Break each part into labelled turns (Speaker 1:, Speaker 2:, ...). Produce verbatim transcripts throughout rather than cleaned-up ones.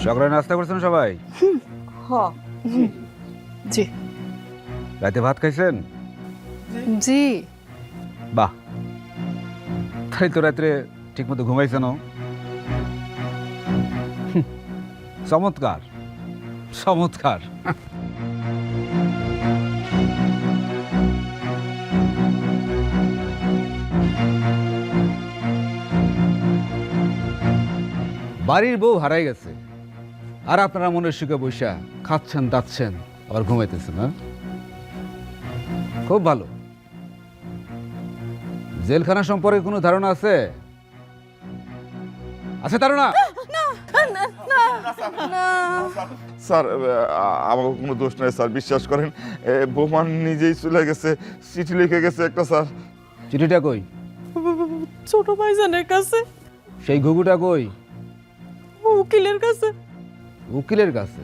Speaker 1: সকালে নাস্তা করছেন সবাই?
Speaker 2: হ জি
Speaker 1: রাতে ভাত খাইছেন?
Speaker 2: জি
Speaker 1: বাহ, তাই তো রাত্রে ঠিক মতো ঘুমাইছেন? চমৎকার চমৎকার। বাড়ির বউ হারাই গেছে আর আপনারা মনের সুখে বৈশা খাচ্ছেন দাচ্ছেন আবার ঘুমাইতেছেন। না, খুব ভালো। জেলখানা সম্পর্কে কোনো ধারণা আছে? আছে ধারণা?
Speaker 3: স্যার আমার কোনো দোষ নাই স্যার, বিশ্বাস করেন। বোমান নিজেই চলে গেছে, চিঠি লিখে গেছে একটা স্যার।
Speaker 1: চিঠিটা কই?
Speaker 2: ছোট ভাইজানের কাছে,
Speaker 1: সেই ঘুঘুটা কই?
Speaker 2: উকিলের কাছে।
Speaker 1: উকিলের কাছে?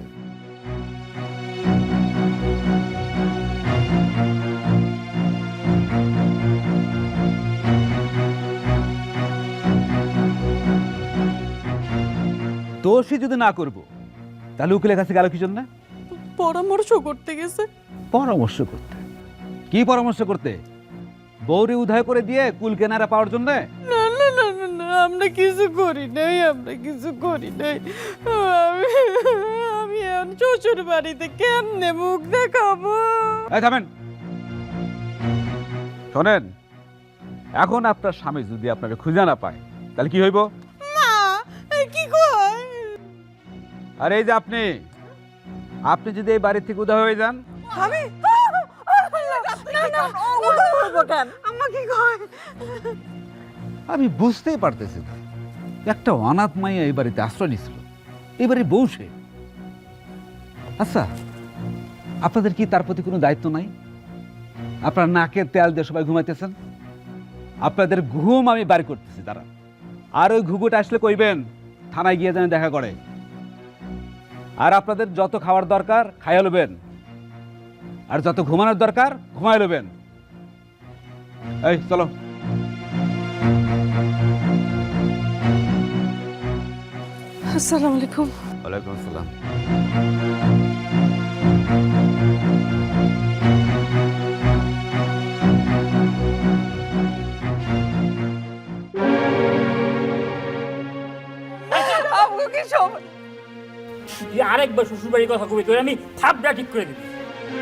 Speaker 1: দোষী যদি না করব তাহলে উকিলের কাছে গেল কি জন্য?
Speaker 2: পরামর্শ করতে গেছে।
Speaker 1: পরামর্শ করতে? কি পরামর্শ করতে? বউরে উদয় করে দিয়ে কুল কেনারা পাওয়ার জন্য?
Speaker 2: না না না না না, আমরা কিছু করি নাই, আমরা কিছু করি নাই। আমি আমি এখন শ্বশুর বাড়িতে কেমনে মুখ দেখাবো?
Speaker 1: এই থামেন, শোনেন, এখন আপনার স্বামী যদি আপনাকে খুঁজে না পায় তাহলে কি হইব?
Speaker 2: মা কি কয়?
Speaker 1: আর এই যে আপনি আপনি যদি এই বাড়ি থেকে উদয় হয়ে যান,
Speaker 2: আমি না না উদয় হইব কেন? আম্মা কি কয়?
Speaker 1: আমি বুঝতেই পারতেছি না, একটা অনাথ মাইয়া এই বাড়িতে আশ্রয় নিছিল, এই বাড়ির বউ সে। আচ্ছা, আপনাদের কি তার প্রতি কোনো দায়িত্ব নাই? আপনার নাকের তেল দিয়ে সবাই ঘুমাইতেছেন, আপনাদের ঘুম আমি বাড়ি করতেছি তারা। আর ওই ঘুঘুটা আসলে কইবেন থানায় গিয়ে যেন দেখা করে। আর আপনাদের যত খাওয়ার দরকার খাইয়া লবেন, আর যত ঘুমানোর দরকার ঘুমাই লবেন। এই চলো।
Speaker 2: আসসালামু আলাইকুম।
Speaker 1: ওয়ালাইকুম আসসালাম।
Speaker 2: আপু কি সব?
Speaker 4: তুই আরেকবার শ্বশুর বাড়ির কথা কবি, তোর আমি থাপড়া ঠিক করে দিবি।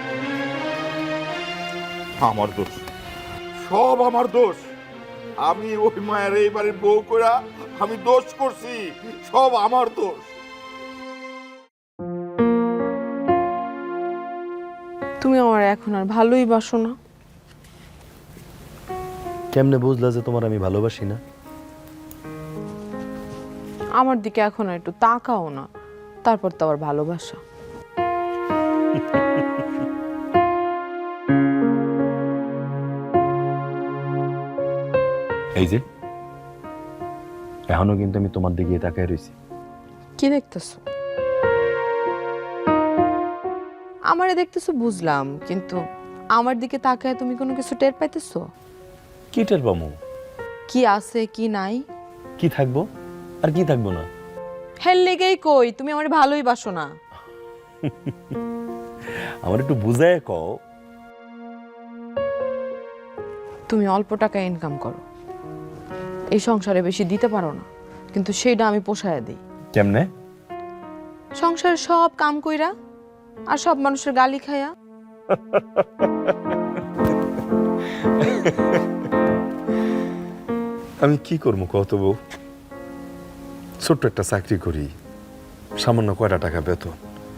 Speaker 3: আমার দোষ, সব আমার দোষ। আমি ওই মায়ের এই বাড়ির বউ কইরা আমি দোষ করছি, সব আমার দোষ।
Speaker 2: তুমি আমার এখন আর ভালোই বাসো না।
Speaker 5: কেমনে বুঝলা যে তোমার আমি ভালোবাসি না?
Speaker 2: আমার দিকে এখন আর একটু তাকাও না, তারপর তো আবার ভালোবাসা।
Speaker 5: এই যে এখনো কিন্তু আমি তোমার দিকে তাকায় রইছি।
Speaker 2: কি দেখতেছো? আমারে দেখতেছো বুঝলাম, কিন্তু আমার দিকে তাকায় তুমি কোনো কিছু টের পাইতেছো?
Speaker 5: কি টের পামু?
Speaker 2: কি আছে কি নাই?
Speaker 5: কি থাকবো আর কি থাকবো না?
Speaker 2: হেল লেগেই কই তুমি আমার ভালোই বাসো না।
Speaker 5: আমার একটু বুঝায় কও।
Speaker 2: তুমি অল্প টাকা ইনকাম করো, এই সংসারে বেশি দিতে পারো না, কিন্তু সেইটা আমি পোষায় দিই।
Speaker 5: কেমনে?
Speaker 2: সংসারে সব কাম কইরা আর সব মানুষের গালি খায়া।
Speaker 5: আমি কি করবো কত বউ? ছোট্ট একটা চাকরি করি, সামান্য কয়টা টাকা বেতন,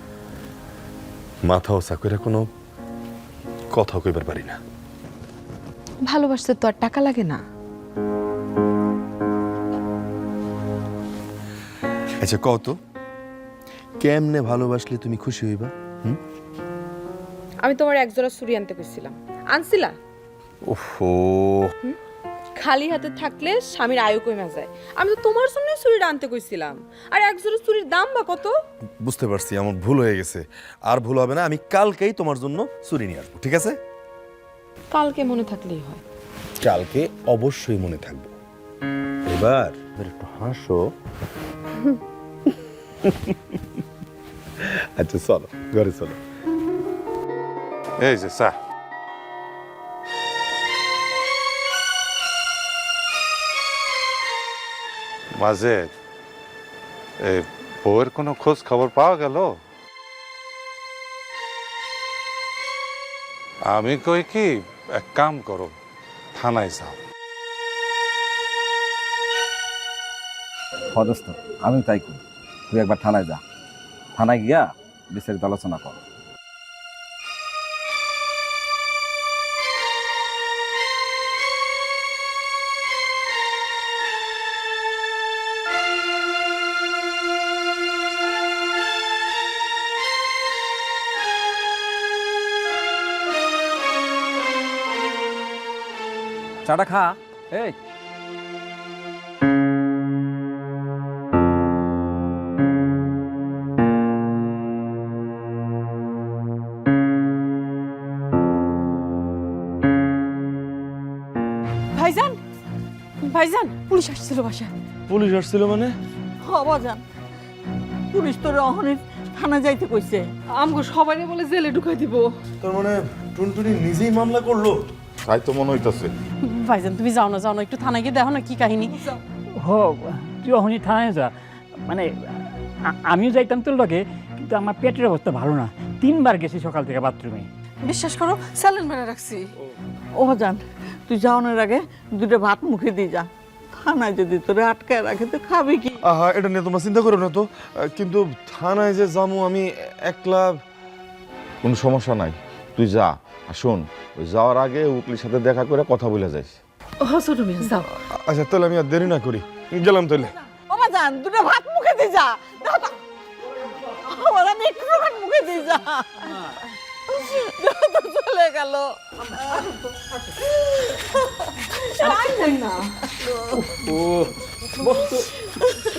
Speaker 5: মাথা ওসা করে কোনো কথা কইবার পারি না।
Speaker 2: ভালোবাসতে তো আর টাকা লাগে না।
Speaker 5: আচ্ছা কত, কেমনে ভালোবাসলে তুমি খুশি হইবা? হুম?
Speaker 2: আমি তোমার একজোড়া চুড়ি আনতে কইছিলাম, আনছিলা?
Speaker 5: ওহো,
Speaker 2: খালি হাতে থাকলে স্বামীর আয়ু কমে যায়। আমি তো তোমার জন্য চুড়িটা আনতে কইছিলাম, আর একজোড়া চুড়ির দাম বা কত?
Speaker 5: বুঝতে পারছি, আমার ভুল হয়ে গেছে। আর ভুল হবে না, আমি কালকেই তোমার জন্য চুরি নিয়ে আসবো, ঠিক আছে?
Speaker 2: কালকে মনে থাকলেই হয়।
Speaker 5: কালকে অবশ্যই মনে থাকবো। এবার একটু হাসো। আচ্ছা চলো ঘরে চলো। এই যে চা।
Speaker 6: মাঝে এই বউয়ের কোনো খোঁজ খবর পাওয়া গেল? আমি কই কি, এক কাম করো, থানায় যাও।
Speaker 7: পদস্থ আমি তাই করি, তুই একবার থানায় যা, থানায় গিয়া বিস্তারিত আলোচনা কর। চাটা খা। এই
Speaker 2: ভাইজান, ভাইজান, পুলিশ আসছিল বাসায়।
Speaker 5: পুলিশ আসছিল মানে?
Speaker 2: বাজান, পুলিশ তোর অহনের থানা যাইতে কইছে। আমগো সবাই বলে জেলে ঢুকাই দিব।
Speaker 5: তার মানে টুনটুনি নিজেই মামলা করলো?
Speaker 3: তাই তো মনে হইতাছে।
Speaker 2: ভাইজান তুমি যাও না, যাও না, একটু থানায় গিয়ে দেখো না কি কাহিনী।
Speaker 4: হো তুই অহনি থানায় যা। মানে আ- আমিও যাইতাম তোর লগে, কিন্তু আমার পেটের অবস্থা ভালো না, তিনবার গেছি সকাল থেকে বাথরুমে।
Speaker 2: বিশ্বাস করো স্যালেন মেরে রাখছি। ও জান, তুই যাওয়ানোর আগে দুটো ভাত মুখে দিয়ে যা। থানায় যদি তোরে আটকায় রাখে তো খাবি কি?
Speaker 5: আহা, এটা নিয়ে তোমরা চিন্তা করো না তো, কিন্তু থানায় যে যাবো আমি একলা।
Speaker 3: কোনো সমস্যা নাই, তুই যা। আর শোন, ওই যাওয়ার আগে উকিলের সাথে দেখা করে কথা বলে যাইস।
Speaker 2: ও ছোট মেয়ে যাও।
Speaker 5: আচ্ছা তাহলে আমি আর দেরি না করি, গেলাম তাহলে।
Speaker 2: ও জান, দুটো ভাত মুখে দিয়ে যা। দেখো তো, আমার আমি একটু ভাত মুখে দিয়ে যা। দেখো তো চলে গেল। না
Speaker 4: ও বস্তু